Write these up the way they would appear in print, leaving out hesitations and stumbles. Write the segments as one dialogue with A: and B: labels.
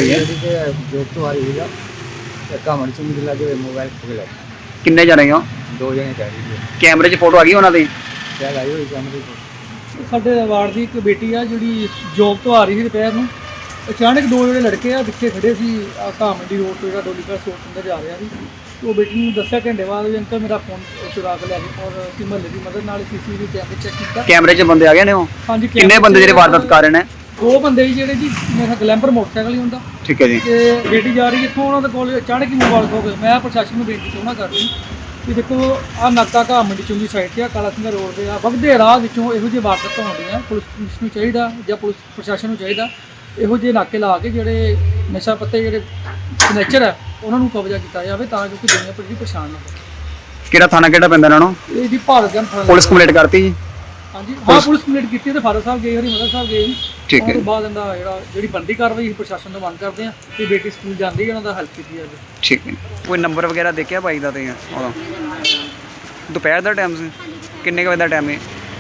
A: हुई है?
B: जॉब तो आ रही है ਧੱਕਾ ਮਣ ਚੁੰਗੀ ਲਾ ਕੇ ਮੋਬਾਈਲ ਖੋ ਕੇ ਲੈ
A: किन्ने जने हो?
B: ਦੋ ਜਣੇ ਕਹਿ ਰਹੀ ਹੈ
A: कैमरे 'ਚ फोटो आ गई उन्होंने?
B: ਕਿਆ ਲਾਈ ਹੋਈ ਕੈਮਰੇ ਕੋਲ।
C: ਸਾਡੇ ਵਾਰਡ ਦੀ ਇੱਕ ਬੇਟੀ ਆ ਜਿਹੜੀ ਜੋਬ ਤੋਂ ਆ ਰਹੀ ਸੀ ਦੁਪਹਿਰ ਨੂੰ। ਅਚਾਨਕ ਦੋ ਜਿਹੜੇ ਲੜਕੇ ਆ ਪਿੱਛੇ ਖੜੇ ਸੀ ਘਾਮੰਡੀ ਰੋਡ ਤੋਂ ਜਿਹੜਾ ਡੋਲੀਕਾ ਸਟੋਰ ਅੰਦਰ ਜਾ ਰਿਹਾ ਸੀ। ਉਹ ਬੇਟੀ ਨੂੰ ਦੱਸਿਆ ਘੰਟੇ ਬਾਅਦ ਵੀ ਅੰਕਲ ਮੇਰਾ ਫੋਨ ਚੁਰਾ ਕੇ ਲੈ ਗਏ ਔਰ ਅਸੀਂ ਮਹੱਲੇ ਦੀ ਮਦਦ ਨਾਲ ਸੀਸੀਟੀਵੀ ਕੈਮਰੇ ਚੈੱਕ ਕੀਤਾ।
A: कैमरे 'ਚ ਬੰਦੇ ਆ ਗਏ ਨੇ ਉਹ?
C: ਹਾਂਜੀ
A: ਕਿੰਨੇ ਬੰਦੇ ਜਿਹੜੇ ਵਾਰਦਾਤ ਕਰ ਰਹੇ ਨੇ?
C: ਦੋ ਬੰਦੇ ਸੀ ਜਿਹੜੇ ਜੀ ਮੇਰਾ ਗਲੈਂਪਰ ਮੋਟਰਸਾਈਕਲ ਹੀ ਹੁੰਦਾ
A: ਠੀਕ ਹੈ ਜੀ।
C: ਤੇ ਬੇਟੀ ਜਾ ਰਹੀ ਇੱਥੋਂ ਉਹਨਾਂ ਦੇ ਕੋਲ ਅਚਾਨਕ ਹੀ ਮੋਬਾਈਲ ਖੋ ਗਏ। ਮੈਂ ਪ੍ਰਸ਼ਾਸਨ ਨੂੰ ਬੇਨਤੀ ਚਾਹੁੰਦਾ ਕਰਦੀ ਕਿ ਦੇਖੋ ਆਹ ਨਾਕਾ ਘਾਮੰਡੀ ਚੁੰਗੀ ਸਾਈਡ ਤੇ ਆ ਕਾਲਾ ਸਿੰਘਾ ਰੋਡ ਤੇ ਆ ਵਗਦੇ ਰਾਹ ਵਿੱਚੋਂ ਇਹੋ ਜਿਹੇ ਵਾਰਦਾਤਾਂ ਹੁੰਦੀਆਂ। ਪੁਲਿਸ ਨੂੰ ਚਾਹੀਦਾ ਜਾਂ ਪੁਲਿਸ ਪ੍ਰਸ਼ਾਸਨ ਨੂੰ ਚਾਹੀਦਾ ਇਹੋ ਜਿਹੇ ਨਾਕੇ ਲਾ ਕੇ ਜਿਹੜੇ ਨਸ਼ਾ ਪੱਤੇ ਜਿਹੜੇ ਨੇਚਰ ਹੈ ਉਹਨਾਂ ਨੂੰ ਕਬਜ਼ਾ ਕੀਤਾ ਜਾਵੇ ਤਾਂ ਜੋ ਕਿ ਦੁਨੀਆ ਭਰ ਦੀ ਪਛਾਣ ਨਾ ਹੋਵੇ।
A: ਕਿਹੜਾ ਥਾਣਾ ਕਿਹੜਾ ਪੈਂਦਾ ਇਹਨਾਂ ਨੂੰ?
C: ਇਹ ਜੀ ਭਾਰਤ ਜਨ
A: ਪੁਲਿਸ ਕੰਪਲੀਟ ਕਰਤੀ ਜੀ?
C: ਹਾਂਜੀ ਹਾਂ ਪੁਲਿਸ ਕੰਪਲੀਟ ਕੀਤੀ ਤੇ ਫਾਦਰ ਸਾਹਿਬ ਗਏ ਹਰਿਮੰਦਰ ਸਾਹਿਬ ਗਏ ਜੀ।
A: ਠੀਕ ਹੈ।
C: ਉਸ ਤੋਂ ਬਾਅਦ ਇਹਦਾ ਜਿਹੜੀ ਬਣਦੀ ਕਾਰਵਾਈ ਪ੍ਰਸ਼ਾਸਨ ਤੋਂ ਮੰਗ ਕਰਦੇ ਆ ਕਿ ਬੇਟੀ ਸਕੂਲ ਜਾਂਦੀ ਹੈ ਉਹਨਾਂ ਦਾ ਹੈਲਪ ਕੀਤੀ ਜਾਵੇ।
A: ਠੀਕ ਹੈ। ਕੋਈ ਨੰਬਰ ਵਗੈਰਾ ਦੇਖਿਆ ਬਾਈ ਦਾ ਤੇ ਉਹਦਾ? ਦੁਪਹਿਰ ਦਾ ਟਾਈਮ ਸੀ? ਕਿੰਨੇ ਕੁ ਵਜੇ ਦਾ ਟਾਈਮ ਹੈ?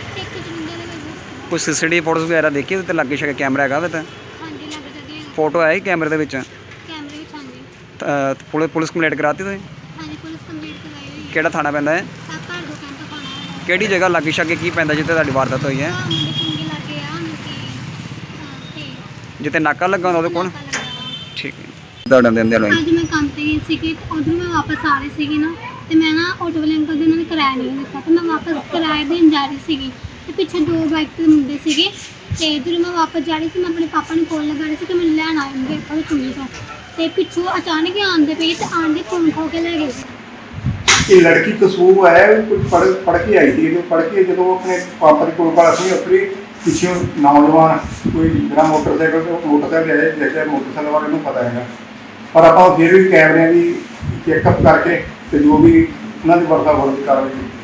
A: ਕੋਈ ਸੀਸੀਟੀਵੀ ਫੋਟੋਸ ਵਗੈਰਾ ਦੇਖੀ ਉਹਦੇ ਤੇ ਲੱਗੇ ਸ਼ਕੇ ਕੈਮਰਾ ਹੈਗਾ ਉਹਦੇ ਤੇ?
D: ਹਾਂਜੀ ਲੱਗ ਜਾਂਦੀ ਹੈ
A: ਫੋਟੋ ਆਈ ਕੈਮਰੇ ਦੇ ਵਿੱਚ?
D: ਕੈਮਰੇ ਵਿੱਚ। ਹਾਂਜੀ
A: ਪੁਲਿਸ ਕੰਪਲੀਟ ਕਰਾਤੀ ਤੁਸੀਂ?
D: ਹਾਂਜੀ ਪੁਲਿਸ ਕੰਪਲੀਟ ਕਰਵਾਈ ਹੋਈ ਹੈ।
A: ਕਿਹੜਾ ਥਾਣਾ ਪੈਂਦਾ ਹੈ?
D: ਤਾਂ ਘਰ ਦੋ ਕੈਂਪ ਪਾਉਣਾ ਹੈ
A: ਕਿਹੜੀ ਜਗ੍ਹਾ ਲੱਗੇ ਸ਼ਕੇ ਕੀ ਪੈਂਦਾ ਜਿੱਥੇ ਤੁਹਾਡੀ ਵਾਰਦਾਤ ਹੋਈ ਹੈ?
D: ਮੁੰਡੇ ਚੰਗੇ ਲੱਗੇ ਆ ਕਿ ਤੇ
A: ਜਿੱਥੇ ਨਾਕਾ ਲੱਗਾ ਹੁੰਦਾ ਉਹਦੇ ਕੋਲ?
D: ਨਾਕਾ ਲੱਗਾ ਵਾ।
A: ਠੀਕ ਹੈ। ਤੁਹਾਡਾ ਦਿੰਦੇ ਲੋਈ
D: ਅੱਜ ਮੈਂ ਕੰਮ ਤੇ ਗਈ ਸੀਗੀ ਤੇ ਉਧਰੋਂ ਮੈਂ ਵਾਪਸ ਆ ਰਹੀ ਸੀਗੀ ਨਾ ਤੇ ਮੈਂ ਨਾ ਆਟੋ ਵਾਲੇ ਅੰਕਲ ਦੇ ਉਹਨਾਂ ਨੇ ਕਿਰਾਇਆ ਨਹੀਂ ਦਿੱਤਾ ਤੇ ਮੈਂ ਵਾਪਸ ਕਿਰਾਇਆ ਦੇਣ ਜਾ ਰਹੀ ਸੀਗੀ ਤੇ ਪਿੱਛੇ ਦੋ ਬਾਈਕ ਤੇ ਮੁੰਡੇ ਸੀਗੇ ਤੇ ਜਦੋਂ ਮੈਂ ਵਾਪਸ ਜਾ ਰਹੀ ਸੀ ਮੈਂ ਆਪਣੇ ਪਾਪਾ ਨੂੰ ਕੋਲ ਲਗਾ ਰਹੀ ਸੀ ਕਿ ਮੈਨੂੰ ਲੈਣ ਆਉਣਗੇ ਆਪਾਂ ਚੁੰਨੀ ਤੋਂ ਤੇ ਪਿੱਛੋਂ ਅਚਾਨਕ ਹੀ ਆਉਂਦੇ ਪਏ ਤੇ ਆਂਦੇ ਫੋਨ ਖੋ ਕੇ ਲੈ ਗਏ।
E: ये लड़की कसूर है कुछ पढ़ के आई थी तो पढ़ के जो अपने पापा के कोल अपनी अपनी पिछले नौजवान कोई जरा मोटरसाइकिल आए जैसे मोटरसाइकिल वाले को पता है पर आप फिर भी कैमरे की चैकअप करके तो जो भी उन्होंने वर्ता वर्त कार्रवाई